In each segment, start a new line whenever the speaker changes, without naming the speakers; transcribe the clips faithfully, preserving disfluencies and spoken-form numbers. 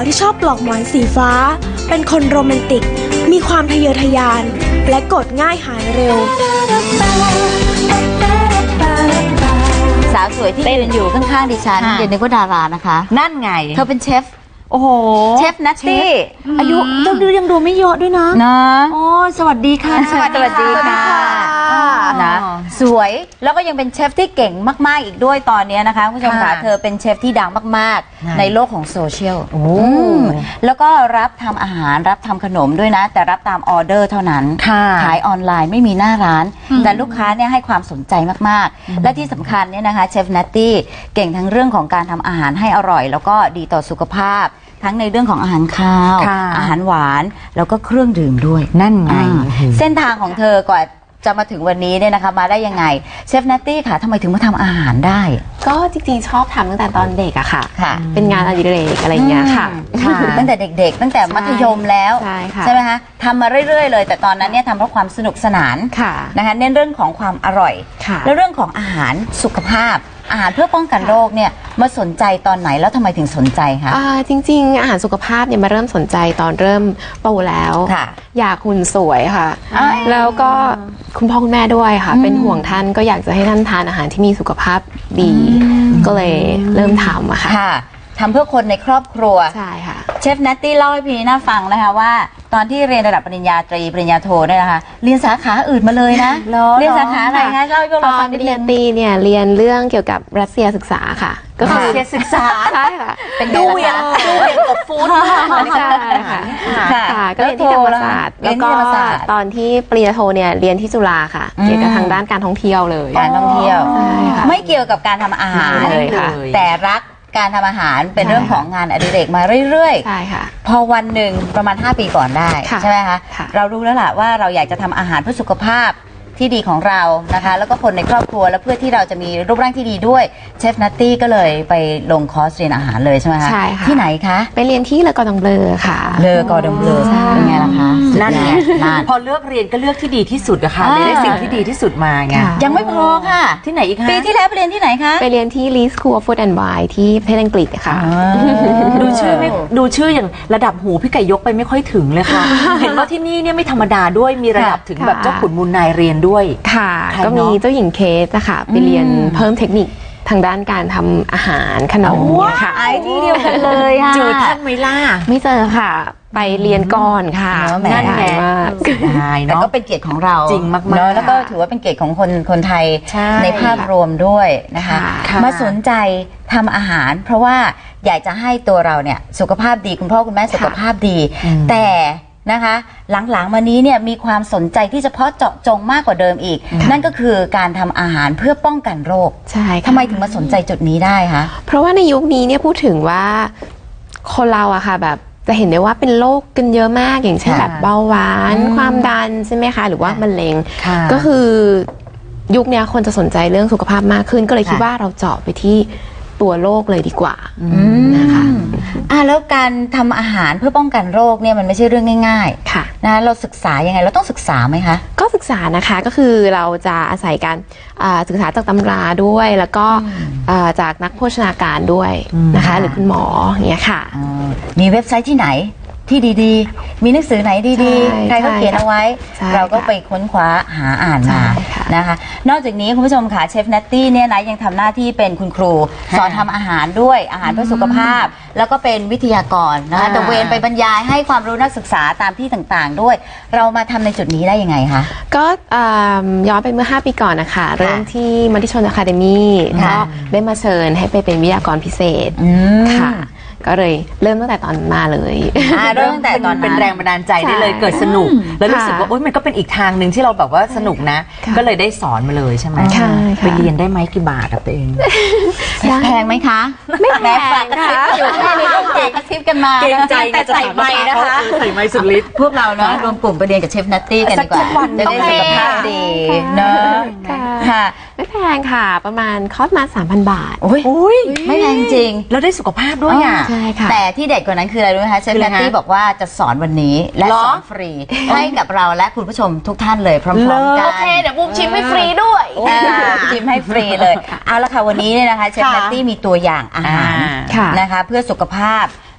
ที่ชอบปลอกหมอนสีฟ้าเป็นคนโรแมนติกมีความทะเยอทะยานและกดง่ายหายเร็ว
สาวสวยที่ยืนอยู่ข้างๆดิฉันเดี๋ยวนึกว่าดารานะคะ
นั่นไง
เธอเป็นเชฟ
โอ้โห
เชฟนัตตี้
อายุยังดูยังดูไม่เยอะด้วยนะ
นะ
โอ้สวัสดีค่ะ
สวัสดีค่ะนะสวยแล้วก็ยังเป็นเชฟที่เก่งมากๆอีกด้วยตอนนี้นะคะคุณผู้ชมค่ะเธอเป็นเชฟที่ดังมากๆในโลกของโซเชียลแล้วก็รับทำอาหารรับทำขนมด้วยนะแต่รับตามออเดอร์เท่านั้นขายออนไลน์ไม่มีหน้าร้านแต่ลูกค้าเนี่ยให้ความสนใจมากๆและที่สำคัญเนี่ยนะคะเชฟนัตตี้เก่งทั้งเรื่องของการทำอาหารให้อร่อยแล้วก็ดีต่อสุขภาพทั้งในเรื่องของอาหารคาวอาหารหวานแล้วก็เครื่องดื่มด้วย
นั่นไง
เส้นทางของเธอกว่าจะมาถึงวันนี้เนี่ยนะคะมาได้ยังไงเชฟนัตตี้ค่ะทำไมถึงมาทำอาหารได้
ก็จริงๆชอบทำตั้งแต่ตอนเด็กอะค่ะเป็นงานอดิเรกอะไรเงี้ยค่ะ
ตั้งแต่เด็กๆตั้งแต่มัธยมแล้วใช่ไหมคะทำมาเรื่อยๆเลยแต่ตอนนั้นเนี่ยทำเพราะความสนุกสนานนะคะเน้นเรื่องของความอร่อยแล้วเรื่องของอาหารสุขภาพอาหารเพื่อป้องกันโรคเนี่ยมาสนใจตอนไหนแล้วทำไมถึงสนใจคะ
จริงๆอาหารสุขภาพเนี่ยมาเริ่มสนใจตอนเริ่มโตแล้วอยากหุ่นสวยค่ะแล้วก็คุณพ่อคุณแม่ด้วยค่ะเป็นห่วงท่านก็อยากจะให้ท่านทานอาหารที่มีสุขภาพดีก็เลยเริ่มทำอะค่ะ
ทำเพื่อคนในครอบครัว
ใช่ค่ะ
เชฟนัตตี้เล่าให้พี่น่าฟังนะคะว่าตอนที่เรียนระดับปริญญาตรีปริญญาโทเนี่ยนะคะเรียนสาขาอื่นมาเลยนะเรียนสาขาอะไรคะเล่าให้พวกเราฟังนิดนึง
ปริญญาตรีเนี่ยเรียนเรื่องเกี่ยวกับรัสเซียศึกษาค่ะ
ก็คือรัสเซียศึกษา
ใช่ค่ะ
เป็นดูเวียนดูเวียนกับฟู้ด
ใช่ค่ะค่ะก็เรียนที่ธรรมศาสตร์แล้วก็ตอนที่ปริญญาโทเนี่ยเรียนที่จุฬาค่ะเกี่ยวกับทางด้านการท่องเที่ยวเลย
การท่องเที่ยวไม่เกี่ยวกับการทำอาหาร
เลยค่ะ
แต่รักการทำอาหารเป็นเรื่องของงานอดิเรกมาเรื่อยๆ
ใช่ค่ะ
พอวันหนึ่งประมาณห้าปีก่อนได้ใช่ไหมคะเรารู้แล้วล่ะว่าเราอยากจะทำอาหารเพื่อสุขภาพที่ดีของเรานะคะแล้วก็คนในครอบครัวแล้วเพื่อที่เราจะมีรูปร่างที่ดีด้วยเชฟนัตตี้ก็เลยไปลงคอร์สเรียนอาหารเลยใช่ไหมคะ
ใช่ค่ะ
ที่ไหนคะ
ไปเรียนที่เลอกอร์ดองเบลอค่ะ
เลอกอร์ดองเบลอเป็นไงล่ะคะ
นั่นไงพอเลือกเรียนก็เลือกที่ดีที่สุดนะคะได้สิ่งที่ดีที่สุดมาไง
ยังไม่พอค่ะ
ที่ไหนอีกคะ
ปีที่แล้วไปเรียนที่ไหนคะ
ไปเรียนที่ Lee School of Food and Wine ที่ประเทศอังกฤษค่ะ
ดูชื่อไม่ดูชื่ออย่างระดับหูพี่ไก่ยกไปไม่ค่อยถึงเลยค่ะเห็นว่าที่นี่เนี่ยไม่ธรรมดาด้วยมีระดับถึงแบบเจ้าขุนมูลนายเรียนด้วย
ค่ะก็มีเจ้าหญิงเคสนะคะไปเรียนเพิ่มเทคนิคทางด้านการทำอาหารขนมค่ะ
ไอที่เดียวกันเลยค่ะ
เจอท่านไหมล่ะ
ไม่เจอค่ะไปเรียนก่อนค่ะ
นั่นแหละแต่ก็เป็นเกียรติของเรา
จริงมากๆ
แล้วก็ถือว่าเป็นเกียรติของคนคนไทยในภาพรวมด้วยนะคะมาสนใจทำอาหารเพราะว่าอยากจะให้ตัวเราเนี่ยสุขภาพดีคุณพ่อคุณแม่สุขภาพดีแต่นะคะหลังๆมานี้เนี่ยมีความสนใจที่เฉพาะเจาะจงมากกว่าเดิมอีกนั่นก็คือการทำอาหารเพื่อป้องกันโรค
ใช่
ทำไมถึงมาสนใจจุดนี้ได้คะ
เพราะว่าในยุคนี้เนี่ยพูดถึงว่าคนเราอะค่ะแบบจะเห็นได้ว่าเป็นโรคกันเยอะมากอย่างเช่นแบบเบาหวานความดันใช่ไหมคะหรือว่ามะเร็งก็คือยุคนี้คนจะสนใจเรื่องสุขภาพมากขึ้นก็เลยคิดว่าเราเจาะไปที่ตัวโรคเลยดีกว่านะคะ
อ่าแล้วการทำอาหารเพื่อป้องกันโรคเนี่ยมันไม่ใช่เรื่องง่าย
ๆค่ะ
นะเราศึกษายังไงเราต้องศึกษาไหมคะ
ก็ศึกษานะคะก็คือเราจะอาศัยการศึกษาจากตำราด้วยแล้วก็จากนักโภชนาการด้วยนะคะหรือคุณหมออย่างเงี้ยค่ะ
มีเว็บไซต์ที่ไหนที่ดีๆมีหนังสือไหนดีๆใครก็เขียนเอาไว้เราก็ไปค้นคว้าหาอ่านมานะคะนอกจากนี้คุณผู้ชมค่ะเชฟนัตตี้เนี่ยนะยังทำหน้าที่เป็นคุณครูสอนทำอาหารด้วยอาหารเพื่อสุขภาพแล้วก็เป็นวิทยากรนะคะตระเวนไปบรรยายให้ความรู้นักศึกษาตามที่ต่างๆด้วยเรามาทำในจุดนี้ได้ยังไงคะ
ก็ย้อนไปเมื่อห้าปีก่อนนะคะเริ่มที่มติชนอะคาเดมี่ก็ได้มาเชิญให้ไปเป็นวิทยากรพิเศษค่ะก็เลยเริ่มตั้งแต่ตอนมาเลย
เริ่มตั้งแต่ตอน
เป็นแรงบันดาลใจได้เลยเกิดสนุกแล้วรู้สึกว่าโอ๊ยมันก็เป็นอีกทางหนึ่งที่เราแบบว่าสนุกนะก็เลยได้สอนมาเลยใช่ไหมไปเรียนได้ไหมกี่บาทกับตัวเอง
แพงไหมคะ
ไม่แพงค่ะ
อยู่แค่นี้ก็เก่งกระซิบกันมา
เก่งใจแต่ใส่ไม้นะคะใส่ไม้สุดฤทธิ์
พวกเราเนาะรวมกลุ่มไปเรียนกับเชฟนัตตี้กันดีกว่าจะได้สุขภาพดีเนาะ
ค่ะไม่แพงค่ะประมาณคอร์สมาสามพันบาท
โอ้ยไม่แพงจริง
แล้วได้สุขภาพด้วยอ่ะ
แต่ที่เด็ดกว่านั้นคืออะไรรู้ไหมคะเชฟนัตตี้บอกว่าจะสอนวันนี้และสอนฟรีให้กับเราและคุณผู้ชมทุกท่านเลยพร้อมๆกัน
โอเคเดี๋ยวบุ้มชิมให้ฟรีด้วย
ชิมให้ฟรีเลยเอาละค่ะวันนี้เนี่ยนะคะเชฟนัตตี้มีตัวอย่างอาหารนะคะเพื่อสุขภาพ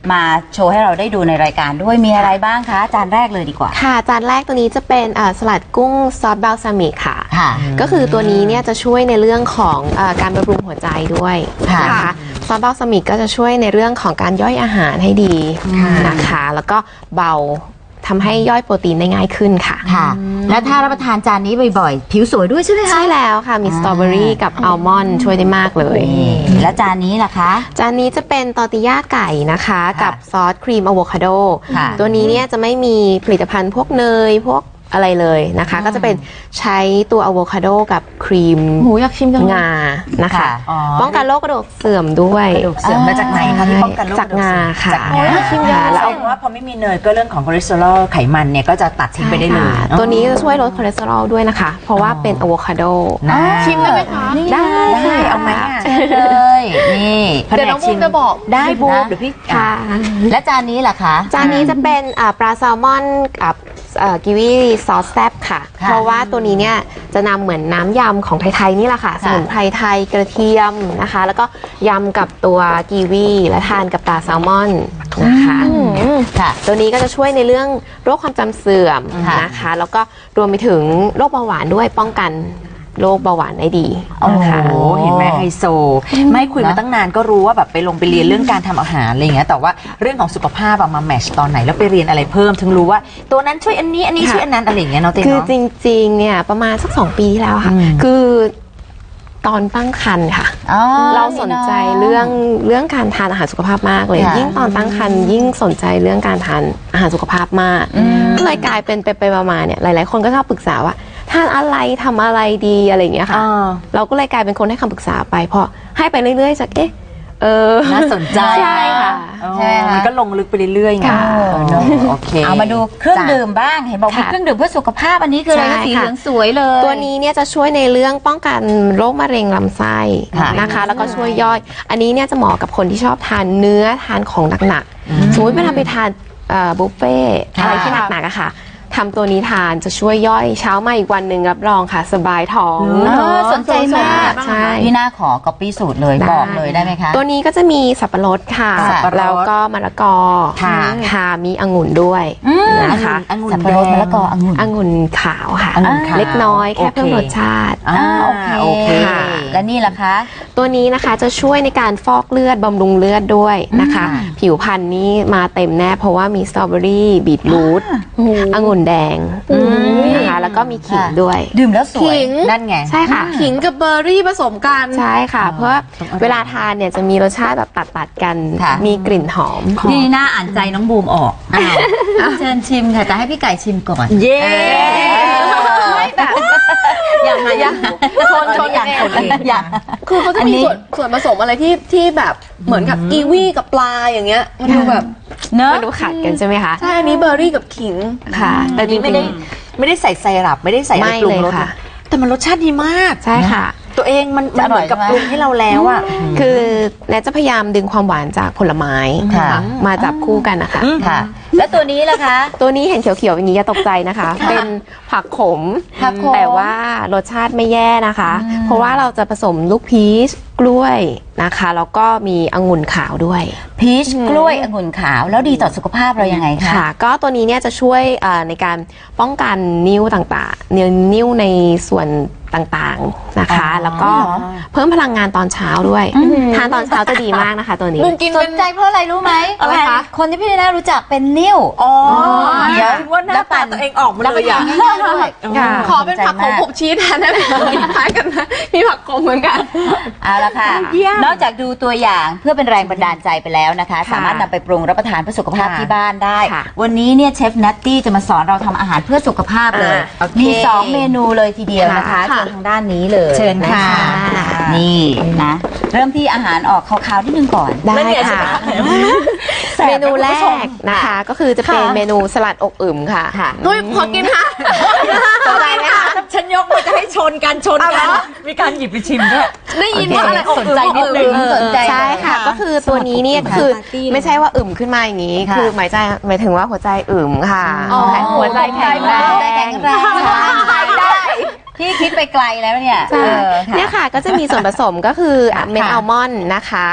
มาโชว์ให้เราได้ดูในรายการด้วยมีอะไรบ้างคะจานแรกเลยดีกว่า
ค่ะจานแรกตัวนี้จะเป็นสลัดกุ้งซอสบัลซามิกค่ะ
ค่ะ
ก็คือตัวนี้เนี่ยจะช่วยในเรื่องของเอ่อการบำรุงหัวใจด้วยนะคะซอสบัลซามิกก็จะช่วยในเรื่องของการย่อยอาหารให้ดีนะคะแล้วก็เบาทำให้ย่อยโปรตีนได้ง่ายขึ้นค่ะ
ค่ะและถ้ารับประทานจานนี้บ่อยๆผิวสวยด้วยใช่ไหมคะ
ใช่แล้วค่ะมีสตรอเบอรี่กับอัลมอนด์ช่วยได้มากเลย
แล้วจานนี้ล่ะคะ
จานนี้จะเป็นตอร์ติญ่าไก่นะคะกับซอสครีมอะโวคาโดตัวนี้เนี่ยจะไม่มีผลิตภัณฑ์พวกเนยพวกอะไรเลยนะคะก็จะเป็นใช้ตัวอะโวคาโดกับครีม
หมูอยากชิมจัง
งานะคะป้องกันโรคกระดูกเสื่อมด้วย
กระดูกเสื่อมมาจากไหนคะที่ป้องกันโรค
จากงาค่ะ
จากงาชิมยาแล้วว่าพอไม่มีเนยก็เรื่องของคอเลสเตอรอลไขมันเนี่ยก็จะตัดทิ้งไปได้เลย
ตัวนี้จะช่วยลดคอเลสเตอรอลด้วยนะคะเพราะว่าเป็นอะโวคาโด
ชิมได้ไหมคะ
ได้
ได้เอาไหม
เลยนี่
เดี๋ยวน้องบูมจะบอก
ได้บูมเดี๋ยวพี่
ค่ะ
และจานนี้ล่ะคะ
จานนี้จะเป็นปลาแซลมอนกับกิวีซอสแซ่บค่ะเพราะว่าตัวนี้เนี่ยจะนำเหมือนน้ำยำของไทยๆนี่แหละค่ะสมุนไพรไทยกระเทียมนะคะแล้วก็ยำกับตัวกีวีและทานกับปลาแซลมอนนะคะค่ะตัวนี้ก็จะช่วยในเรื่องโรคความจำเสื่อมนะคะแล้วก็รวมไปถึงโรคเบาหวานด้วยป้องกันโรคเบาหวานได้ดี
โอ้โหเห็นไหมไฮโซไม่คุยมาตั้งนานก็รู้ว่าแบบไปลงไปเรียนเรื่องการทำอาหารอะไรอย่างเงี้ยแต่ว่าเรื่องของสุขภาพมาแมชตอนไหนแล้วไปเรียนอะไรเพิ่มถึงรู้ว่าตัวนั้นช่วยอันนี้อันนี้ช่วยอันนั้นอะไรอย่างเงี้ยเนาะเต้เนาะ
คือจริงๆเนี่ยประมาณสักสองปีที่แล้วค่ะคือตอนตั้งครรภ์ค่ะเราสนใจเรื่องเรื่องการทานอาหารสุขภาพมากเลยยิ่งตอนตั้งครรภ์ยิ่งสนใจเรื่องการทานอาหารสุขภาพมากก็เลยกลายเป็นไปไปมาๆเนี่ยหลายๆคนก็ชอบปรึกษาว่าทานอะไรทำอะไรดีอะไรอย่างเงี้ยค่ะเราก็เลยกลายเป็นคนให้คำปรึกษาไปพอให้ไปเรื่อยๆจากเอ๊ะเออ
น่าสนใจ
ใช่ค่ะ
ใช่มันก็ลงลึกไปเรื่อยๆไงโอเค
เอามาดูเครื่องดื่มบ้างเห็นบอกมีเครื่องดื่มเพื่อสุขภาพอันนี้คืออะไรสีเหลืองสวยเลย
ตัวนี้เนี่ยจะช่วยในเรื่องป้องกันโรคมะเร็งลำไส้นะคะแล้วก็ช่วยย่อยอันนี้เนี่ยจะเหมาะกับคนที่ชอบทานเนื้อทานของหนักๆสมมติเวลาไปทานบุฟเฟ่อะไรที่หนักๆอะค่ะทำตัวนี้ทานจะช่วยย่อยเช้ามาอีกวันหนึ่งรับรองค่ะสบายท้อง
สนใจมาก
ใช่
พี่น่าขอก๊อปปี้สูตรเลยบอกเลยได้ไหมคะ
ตัวนี้ก็จะมีสับปะรดค่ะแล้วก็มะละกอค่ะมีองุ่นด้วยนะคะ
สับปะรดมะละกอองุ่น
องุ่นขาวค่ะเล็กน้อยแค่เพิ่มรสชาติ
โอเคและนี่ล่ะคะ
ตัวนี้นะคะจะช่วยในการฟอกเลือดบำรุงเลือดด้วยนะคะผิวพรรณนี้มาเต็มแน่เพราะว่ามีสตรอเบอรี่บีทรูทองุ่นแดงนะคะแล้วก็มีขิงด้วย
ดื่มแล้วสวยนั่นไง
ใช่ค่ะ
ขิงกับเบอร์รี่ผสมกัน
ใช่ค่ะเพราะเวลาทานเนี่ยจะมีรสชาติแบบตัดๆกันมีกลิ่นหอม
นี่น่าอ่านใจน้องบูมออกเชิญชิมค่ะแต่ให้พี่ไก่ชิมก่อน
เย้
ไม่แบบ
อย่างไรอย่าง
ชนชนอย่างอย่างคือเขาจะมีส่วนส่วนผสมอะไรที่ที่แบบเหมือนกับกีวีกับปลาอย่างเงี้ยมันดูแบบ
เนอะมันดูขัดกันใช่ไหมคะ
ใช่อันนี้เบอร์รี่กับขิง
ค่ะ
แต่จริงไม่ได้ไม่ได้ใส่ไซรัปไม่ได้ใส่อะไรปรุงรสแต่มันรสชาติดีมาก
ใช่ค่ะ
ตัวเองมันมันเหมือนกับปรุงให้เราแล้วอ่ะ
คือแนทจะพยายามดึงความหวานจากผลไม้มาจับคู่กันนะคะ
ค่ะแล้วตัวนี้ล่ะคะ
ตัวนี้เห็นเขียวๆอย่างนี้อย่าตกใจนะคะเป็นผักขมแต่ว่ารสชาติไม่แย่นะคะเพราะว่าเราจะผสมลูกพีชกล้วยนะคะแล้วก็มีองุ่นขาวด้วย
พีชกล้วยองุ่นขาวแล้วดีต่อสุขภาพเรายังไงคะ
ค่ะก็ตัวนี้เนี่ยจะช่วยในการป้องกันนิ้วต่างๆนิ้วนิ้วในส่วนต่างๆนะคะแล้วก็เพิ่มพลังงานตอนเช้าด้วยทานตอนเช้าจะดีมากนะคะตัวนี้
สนใจเพราะอะไรรู้ไหมอะไรคะคนที่พี่น่ารู้จักเป็นนิ้ว
อ๋อเดี๋ยวว่าหน้าตาตัวเองออกมาเลยอ่ะ
ขอเป็นผักขมผมชี้แทนได้ไหมคล้ายกันนะมีผักขมเหมือนกัน
เอาละค่ะนอกจากดูตัวอย่างเพื่อเป็นแรงบันดาลใจไปแล้วนะคะสามารถนำไปปรุงรับประทานเพื่อสุขภาพที่บ้านได้วันนี้เนี่ยเชฟนัตตี้จะมาสอนเราทำอาหารเพื่อสุขภาพเลยมีสองเมนูเลยทีเดียวนะคะทางด้านนี้เลย
เชิญค่ะ
นี่นะเริ่มที่อาหารออกคาวๆนิดนึงก่อน
ได้ค่ะเมนูแรกนะคะก็คือจะเป็นเมนูสลัดอกอึมค่ะ
นุ้ยขอกินค่ะ
สนใจไหมคะฉันยกมือจะให้ชนกันชนกันมีการหยิบไปชิมด้วย
ได้ยินว่าอะไรอกอึม
นิดนึง
ใช่ค่ะก็คือตัวนี้เนี่ยคือไม่ใช่ว่าอึมขึ้นมาอย่างนี้คือหมายใจหมายถึงว่าหัวใจอึมค่ะหัวใจแข็งแรง
แข็งแรงได้พี่คิดไปไกลแล้วเนี่ย
เนี่ยค่ะก็จะมีส่วนผสมก็คือเม็ดอัลมอนด์นะคะ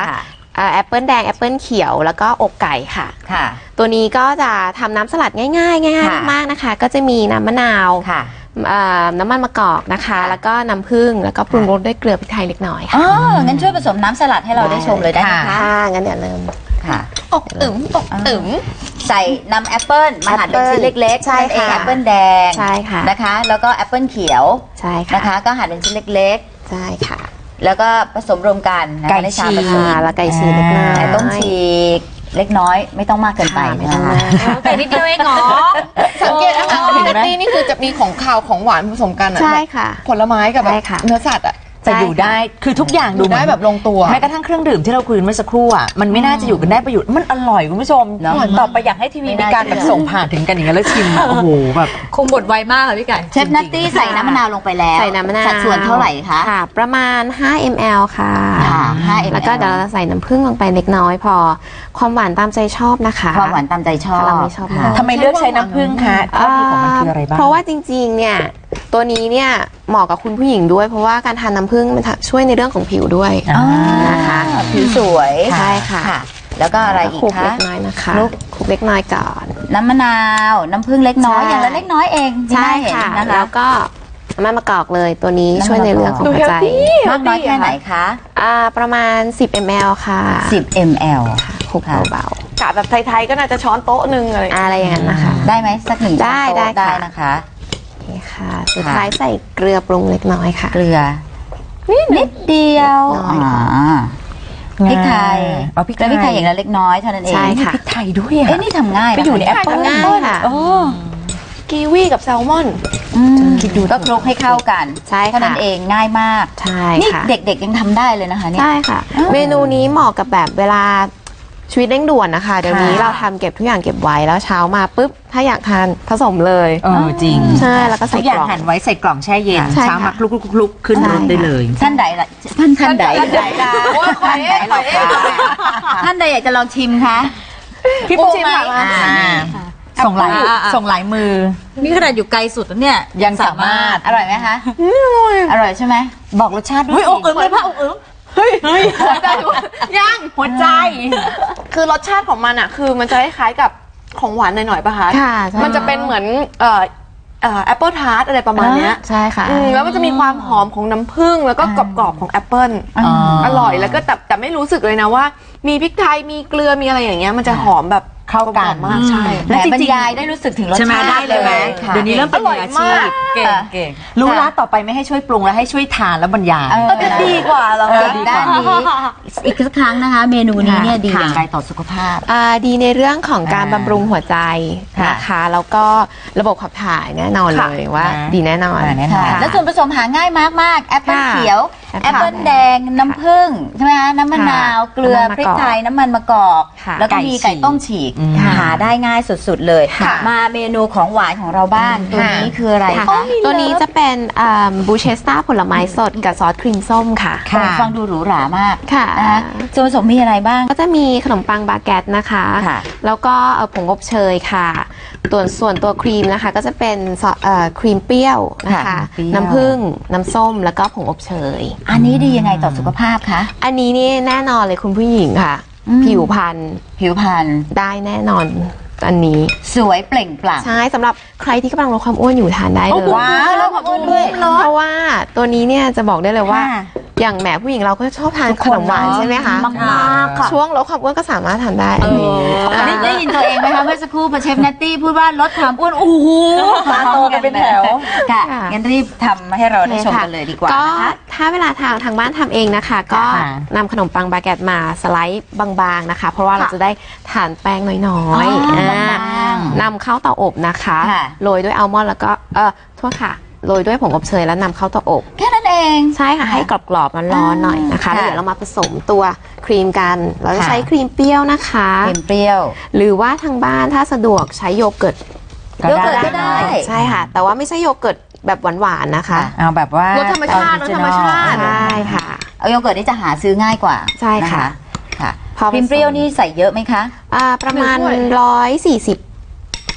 แอปเปิลแดงแอปเปิลเขียวแล้วก็อกไก่ค่ะ
ค่ะ
ตัวนี้ก็จะทำน้ำสลัดง่ายๆง่ายๆมากๆนะคะ ก็จะมีน้ำมะนาว
ค่ะ
น้ำมันมะกอกนะคะ แล้วก็น้ำผึ้งแล้วก็ปรุงรสด้วยเกลือพริกไทยเล็กน้อย
อ๋
ค่ะ
อ งั้นช่วยผสมน้ำสลัดให้เราได้ชมเลยได้ไหมคะ
ค่ะงั้นเดี๋ยวเริ่ม
ค่ะ
อกตึ๋มอกตึ๋ม
ใส่นำแอปเปิ้ลมาหั่นเป็นชิ้นเล็กๆ
ใช่
นั่นเอง
ค่ะ
แอปเปิ้ลแดง
ใช่ค่ะ
นะคะ แล้วก็แอปเปิ้ลเขียว
ใช่ค่ะ
นะคะ ก็หั่นเป็นชิ้นเล็ก
ใช่ค่ะ
ๆ แล้วก็ผสมรวมกันนะคะ
ไก่
ในชาม
ฉีก
ผสม
อ่าแล้วไก่ฉีกเล็กน้อย
ไก่ต้มฉีกเล็กน้อยไม่ต้องมากเกินไป
ค่ะไม่ต้อง
นะคะ
มาก
ไก่นิดเดียวเองเหรอ
สังเกตนะคะว่านัตตี้นี่คือจะมีของคาวของหวานผสมกันอะ
ใช่ค่ะ
ผลไม้กับแบ
ใช่
บ
ค่ะ
เนื้อสัตว์อะ
จะอยู่ได้คือทุกอย่าง
อ
ดู
ยู่ได้แบบลงตัว
แม้กระทั่งเครื่องดื่มที่เราคุยกันเมื่อสักครู่อ่ะมันไม่น่าจะอยู่กันได้ประโยชน์มันอร่อยคุณผู้ชม
เนอะ
ต่อไปอยากให้ทีวี
ไม่
มี
น่า
การแบบส่งผ่านถึงกันอย่างเงี้ยแล้วชิมอะโอ้โหแบบ
คงบดไวมากค่ะพี่ไก่
เชฟนัตตี้ใส่น้ำมะนาวลงไปแล้ว
ใส่น้ำมะนาว
สัดส่วนเท่าไหร่คะ
ค่ะ ประมาณห้ามิลลิลิตร ค่ะ
ค่ะห้ามิลลิลิตร
แล้วก็เดี๋ยวเราใส่น้ำผึ้งลงไปเล็กน้อยพอ ความหวานตามใจชอบนะคะ
ความหวานตามใจชอบ
ถ้าเราไม่ชอบมาก
ทำไมเลือกใช้น้ำผึ้งคะข้อดีของมันคืออะไรบ้าง
เพราะว่าจริงๆ เนี่ย ตัวนี้เนี่ยเหมาะกับคุณผู้หญิงด้วย เพราะว่าการทานน้ำผึ้งมันช่วยในเรื่องของผิวด้วย
อ่า
นะคะ
ผิวสวย
ใช่ค่ะ
แล้วก็อะไรอีก
คลุก
คะ
เล็กน้อยนะคะ
คลุก
คลุกเล็กน้อยก่อน
น้ำมะนาว น้ำผึ้งเล็กน้อย
ใช่
อย่างละเล็กน้อยเองที่
ใช่
น่าเห็น
ค่ะ
นะคะ
แล้วก็น้ำมันมะกอกเลยตัวนี้
น้ำมัน
ช่วยในเรื่องของ
ดู
หัวใจ
healthy
มากน้อยแค่ไหนคะ
อ่าประมาณ สิบมิลลิลิตร ค่ะ
สิบมิลลิลิตร
คลุก
ค่ะ
เบาก
ะแบบไทยๆก็น่าจะช้อนโต๊ะหนึ่งอะไร
ๆอะไรอย่างนั้นนะคะ
ได้ไหมสักหนึ่ง
ได้
ช้อนโต๊ะ
ได้
ได้
ค่ะ
นะคะ
โอเคค่ะ สุดท้ายใส่เกลือปรุงเล็กน้อยค่ะ
เกลือนิดเดียว
น้อยค่ะ
อ่าพริกไทย
เอาพริกไทย
แล้วพริกไทยอย่างละเล็กน้อยเท่านั้นเอง
ใช่ค่ะ
พริกไทยด้วยอ่ะ
เอ๊ะนี่ทำง่าย
ไปอยู่ในแอปเปิ้ล
ง่ายค่ะ
โอ้
กีวีกับแซลมอน
คิดดูก็คลุกให้เข้ากัน
ใช่ค่ะ
เท่านั้นเองง่ายมาก
ใช่
นี่
ค่ะ
เด็กๆยังทำได้เลยนะคะเนี่ย
ใช่ค่ะ เมนูนี้เหมาะกับแบบเวลาชีวิตเร่งด่วนนะคะ เดี๋ยวนี้เราทำเก็บทุกอย่างเก็บไว้แล้วเช้ามาปุ๊บ ถ้าอยากทานผสมเลย
เออจริง
ใช่แล้วก็ใส่
ทุกอย่าง
กล่อง
หั่นไว้ใส่กล่องแช่เย็น
ใช่ค่ะ
เช้ามาคลุกๆๆๆขึ้นรถได้เลย
ท่านใดล่ะท่านท่านใด
ท่านใดล่ะโอ้ยขอเอ๊ะขอเอ๊ะ
ท่านใดอยากจะลองชิมคะ
พี่ปูชิมค่ะ
อ่าส่งหลายส่งหลายมือ
นี่ขนาดอยู่ไกลสุดแล้วเนี่ย
ยังสามารถ
อร่อยไหมคะอร่อยใช่ไหม
บอกรสชาติด้วย
เฮ้ยอกอึ้งเลยพ่ออกอึ้ง
หัวใจยัง
หัวใจ
คือรสชาติของมันอะคือมันจะคล้ายๆกับของหวานหน่อยๆป่ะคะ
ค่ะใช่
มันจะเป็นเหมือนเอ่อเอ่อแอปเปิลทาร์ตอะไรประมาณเนี้ย
ใช่ค่ะ
อืมแล้วมันจะมีความหอมของน้ำผึ้งแล้วก็กรอบๆของแอปเปิล
อ๋อ
อร่อยแล้วก็แต่แต่ไม่รู้สึกเลยนะว่า มีพริกไทยมีเกลือมีอะไรอย่างเงี้ยมันจะหอมแบบ
เข้ากัน
ลมๆมากใช่
และบรรยายได้รู้สึกถึงรส
ใช่ไหม
ชาติ
ได้เลยไหม
ค่ะ
เดี๋ยวนี้เริ่มเป็นมืออาชีพ
เก่งเก่ง
รู้ละต่อไปไม่ให้ช่วยปรุงแล้วให้ช่วยทานแล้วบรรยาย
เออ
จะดีกว่าเหรอ
เอ
คะ
อด้านนี้อีกสักครั้งนะคะ เมนูนี้เนี่ยดีอย่างไรต่อสุขภาพ
อ่าดีในเรื่องของการ
อ่า
บำรุงหัวใจ
ค่ะ
นะคะแล้วก็ระบบขับถ่ายแน่นอน
ค่ะ
เลยว่า
นะ
ดีแน่นอน
อ่าแน่นอน
ค่ะแล้วส่วนผสมหาง่ายมากมากๆแอปเปิล
ค่ะ
เขียว
แอ
แอ
ป
ป
เปิ้
เปิ
ล
ลแดงน้ำผึ้งใช่ไหมคะน้ำมะนาว เกลือ
น้ำมัน
พริ
มะ
ก
กอก
ไทยน้ำมันมะกอก
ค่ะ
แล้วก็มี
ไก่ฉีก
ไก่ต้มฉีก
อืม
หาได้ง่ายสุดๆเลย
ค่ะ
มาเมนูของหวานของเราบ้างตัวนี้คืออะไร
ค่ะ
คะ
ตัวนี้จะเป็นบูเชสตาผลไม้สดกับซอสครีมส้มค่ะ
โอ้ฟังดูหรูหรามาก
ค่ะ
นะคะส่วนผสมมีอะไรบ้าง
ก็จะมีขนมปังบาเกตนะคะ
ค่ะ
แล้วก็เอ่อผงอบเชยค่ะตัวส่วนตัวครีมนะคะก็จะเป็นซอสเอ่อครีมเปรี้ยวนะคะ
ค่ะเปรี้ยว
น้ำผึ้งน้ำส้มแล้วก็ผงอบเชย
อันนี้ดียังไงต่อสุขภาพคะ
อันนี้นี่แน่นอนเลยคุณผู้หญิงค่ะ
อืม
ผิวพรรณ
ผิวพรรณ
ได้แน่นอนอันนี้
สวยเปล่งปลั่ง
ใช่สำหรับใครที่กำลังลดความอ้วนอยู่ทานได้เลย
ว้าวแล้วความอ้วนด้วย
เพราะว่าตัวนี้เนี่ยจะบอกได้เลยว่า
ค่ะ
อย่างแหมผู้หญิงเราก็ชอบทานขนมหวานใช่ไหมคะ
มากๆค่ะ
ช่วงลดความอ้วนก็สามารถทานได้อันนี้
ได้ได้ยินตัวเองไหมคะเมื่อสักครู่พอเชฟนัตตี้พูดว่าลดความอ้วนโอ้โห
ตาโตกันเป็นแถว
ค่ะ
ค่ะ
งั้นรีบทำให้เราได้ชมกันเลยดีกว่า
ก็
นะคะ
ถ้าเวลาทางทางบ้านทำเองนะคะ ก็
ค่ะ
นำขนมปังบาเกตมาสไลด์บางๆนะคะ เพราะว่าเราจะได้ทานแป้งน้อย
อ๋อ
ๆ
บางๆ
อ่านำเข้าเตาอบนะคะ
ค่ะ
โรยด้วยอัลมอนด์แล้วก็เออโทษค่ะโรยด้วยผงอบเชยแล้วนำเข้าเตาอบ
แค่นั้นเอง
ใช่ค่ะให้กรอบๆร้อนๆหน่อยนะคะ
ค่ะ
แล้วเดี๋ยวเรามาผสมตัวครีมกันเราจะ
ค่ะ
ใช้ครีมเปรี้ยวนะคะ
เค็มเปรี้ยว
หรือว่าทางบ้านถ้าสะดวกใช้โยเกิร์ต
โยเกิร์ตก็ได้
ใช่ค่ะ แต่ว่าไม่ใช่โยเกิร์ตแบบหวานๆนะคะ
เอาแบบว่าร
สธรรมชาติรสธรรมชาติ
ใช่ค่ะ
เอาโยเกิร์ตนี่จะหาซื้อง่ายกว่า
ใช่ค่ะ
นค่ะ
พอผสม
ครีมเปรี้ยวนี่ใส่เยอะไหมคะ
อ่าประมาณ
หนึ่งถ้วย
ร้อยสี่สิบ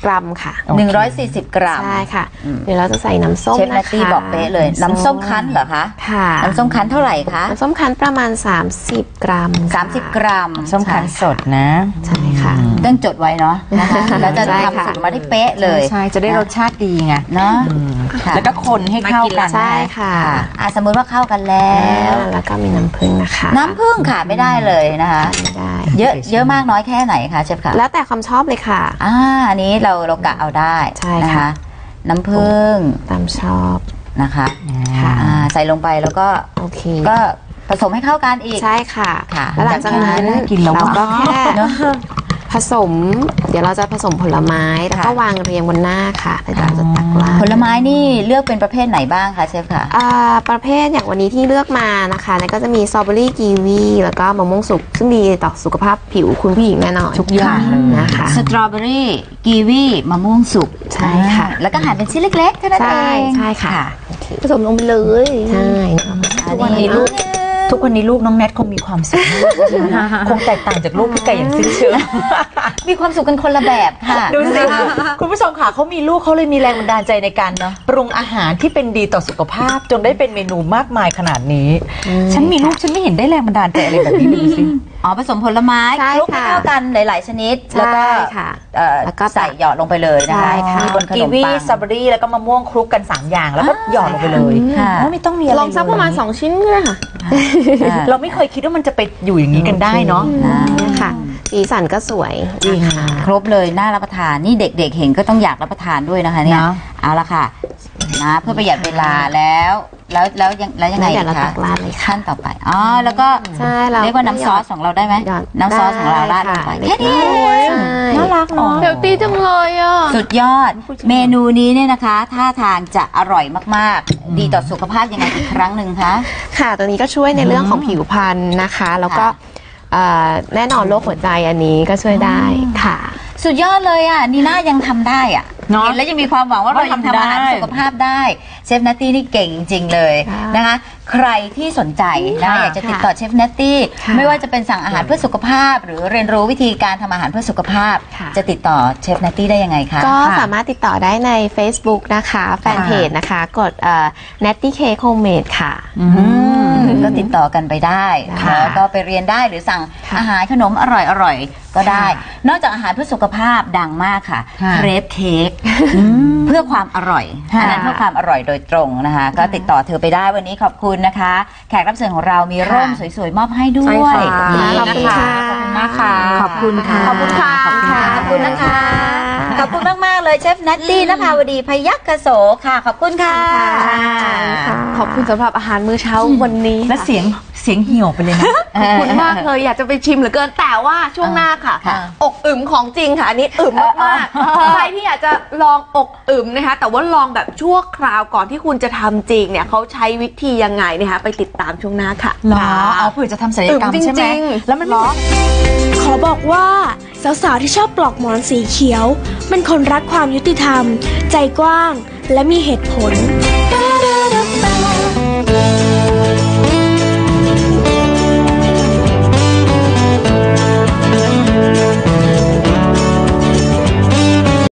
กรัมค่ะ
หนึ่งร้อยสี่สิบกรัม
ใช่ค่ะ เดี๋ยวเราจะใส่น้ำส้ม
เชฟ
นะคะ
นัตตี้บอกเป๊ะเลยน้ำส้มคั้นเหรอคะ
ค่ะ
น้ำส้มคั้นเท่าไหร่คะ
น้ำส้มคั้นประมาณสามสิบกรัมค่ะ
สามสิบกรัม
ส้มคั้นสดนะ
ใช่ค่ะ
ต้องจดไว้เนาะนะคะแล้วจะ
ใช่ค่ะ
ทำสูตรมาได้เป๊ะเลย
ใช่จะได้รสชาติดีไง
เนาะค่ะ
แล้วก็คนให้เข้ากัน
ใช่ค่ะ
อ่ะสมมุติว่าเข้ากันแล้ว
แล้วก็มีน้ำผึ้งนะคะ
น้ำผึ้งขาดไม่ได้เลยนะคะ
ไม่ได้
เยอะเยอะมากน้อยแค่ไหนคะเชฟคะ
แล้วแต่ความชอบเลยค่ะ
อ่าอันนี้เราเรากะเอาได้
ใช่
นะ
ค่ะ
คะ น้ำผึ้ง
ตามชอบ
นะคะ
ค่ะ
อ่าใส่ลงไปแล้วก็
โอเค
ก็ผสมให้เข้ากันอีก
ใช่ค่ะ
ค่ะ
แล้วหลังจากนั้น
น่ากินแล้ว
เราก็
ว่ะ
แค่ผสม เดี๋ยวเราจะผสมผลไม้แล้วก็
ค่ะ
วางเรียงบนหน้าค่ะแล้วเราจะตักราด
ผลไม้นี่เลือกเป็นประเภทไหนบ้างคะเชฟคะ
อ่าประเภทอย่างวันนี้ที่เลือกมานะคะนั่นก็จะมีสตรอเบอรี่กีวีแล้วก็มะม่วงสุกซึ่งดีต่อสุขภาพผิวคุณผู้หญิงแน่นอน
ทุกอย่างเลย
นะคะ
สตรอเบอรี่กีวีมะม่วงสุก
ใช่ค่ะ
อ่าแล้วก็หั่นเป็นชิ้นเล็กๆเท่านั้น
ใช่
เอง
ใช่ค่ะ
ผสมลงไปเลย
ใช่
ทุกวันนี้ลูก
ทุกวันนี้ลูกน้องแนทคงมีความสุขมากนะคะคงแตกต่างจากลูกพี่ไก่อย่างสิ้นเชิง
มีความสุขกันคนละแบบค่ะ
ดูสิคุณผู้ชมค่ะเขามีลูกเขาเลยมีแรงบันดาลใจในการเนาะปรุงอาหารที่เป็นดีต่อสุขภาพจนได้เป็นเมนูมากมายขนาดนี้ ฉันมีลูกฉันไม่เห็นได้แรงบันดาลใจอะไรแบบนี้ดูสิ
อ๋อผสมผลไม้
ใช่
คลุกให้
ค่ะ
เข้ากันหลาย ๆ ชนิด แล้วก็
ใช่ค่ะ
เอ่อ
แล้วก็
ใส่หยอดลงไปเลยนะคะ
ใช่ค่ะ
บนขน
กี
ม
วี
ปัง
สตรอเบอรี่แล้วก็มะม่วงคลุกกันสามอย่างแล้วก็หยอดลงไปเลย
ค่ะ
โอ้ไม่ต้องมีอะไร
ลองสักประมาณ
เลย
สองชิ้นก็ได้ค่ะ
อ่า
เราไม่เคยคิดว่ามันจะไปอยู่อย่างนี้กันได้เนาะ
เนี่ยค่ะสีสันก็สวย
จริง
นะคะ
ครบเลยน่ารับประทานนี่เด็ก ๆ เห็นก็ต้องอยากรับประทานด้วยนะคะเนี่ย
เนอะ
เอาละค่ะนะเพื่อประหยัดเวลาแล้ว แล้วแล้วยังแล้วยังไง
แล้วเดี๋ยวเรา
คะ
ตักราดเลยค่ะ
ขั้นต่อไปอ๋อแล้วก็
ใช่เรา
เรียกว่าน้ำซอสของเราได้ไหม
หยอด
น้ำซอสของเราราดลงไป
ได้
แค่นี้
ค่ะ
เอง
ใช่
น่ารักเนาะ
เฮลตี้จังเลยอ่ะ
สุดยอด เมนูนี้เนี่ยนะคะท่าทางจะอร่อยมากๆ ดีต่อสุขภาพยังไงอีกครั้งหนึ่งคะ
ค่ะตัวนี้ก็ช่วยในเรื่องของผิวพรรณนะคะ แล้วก็
ค่ะ
เอ่อแน่นอนโรคหัวใจอันนี้ก็ช่วยได้ค่ะ
สุดยอดเลยอ่ะนีน่ายังทำได้อ่ะ
เนอะ
เห็นแล้วยังมีความหวังว่าเรา
ว่า
ยัง
ทำ
ทำอาหาร
ได้
สุขภาพได้เชฟนัตตี้นี่เก่งจริง ๆ เลย
ค่ะ
นะคะ ใครที่สนใจนะ
ค่ะ
อยากจะติดต่อเชฟนัตตี้
ค่ะ
ไม่ว่าจะเป็นสั่งอาหารเพื่อสุขภาพ หรือเรียนรู้วิธีการทำอาหารเพื่อสุขภาพ
ค่ะ
จะติดต่อเชฟนัตตี้ได้ยังไงคะ
ก็สามารถติดต่อได้ใน Facebook นะคะ แฟนเพจนะคะ กดเอ่อ Natty Cake Homemade ค่ะ
อืมก็ติดต่อกันไปได้
ค่ะ
แล้วก็ไปเรียนได้หรือสั่ง
ค่ะ
อาหารขนมอร่อยๆก็ได้ นอกจากอาหารเพื่อสุขภาพดังมากค่ะ
ค่ะ
เครปเค้กเพื่อความอร่อย
ค่ะ
อันนั้นเพื่อความอร่อยโดยตรงนะคะ ก็ติดต่อเธอไปได้วันนี้ขอบคุณนะคะ แขกรับเชิญของเรามีร่มสวยๆ มอบให้ด้
ใช่
วย
ค่ะ
นี่
ขอบคุณค่ะ
ขอบคุณมากค่ะ
ขอบคุณค่ะ
ขอบคุณค่ะ
ขอบคุณค่ะ
ขอบคุณนะคะ ขอบคุณมากๆเลยเชฟนัตตี้นภาวดีพยัคฆโสค่ะ ขอบคุณค่ะ
ขอบคุณสำหรับอาหารมื้อเช้าวันนี้
และเสียงเสียงเหี่ยวไปเลยนะ
ขอบคุณมากเลยอยากจะไปชิมเหลือเกินแต่ว่าช่วงหน้าค่ะ
ค่ะ
อกอึมของจริงค่ะ อันนี้อึมมากๆใครที่อยากจะลองอกอึมนะคะ แต่ว่าลองแบบชั่วคราวก่อนที่คุณจะทำจริงเนี่ยเขาใช้วิธียังไงนะคะไปติดตามช่วงหน้าค่ะ
หรอเอาเผื่อจะทำศัลยกรรม
อึ๋ม
ใช่ไหม
จริงๆ
แล้วมันไม่
ขอบอกว่าสาวๆที่ชอบปลอกหมอนสีเขียวเป็นคนรักความยุติธรรม ใจกว้างและมีเหตุผล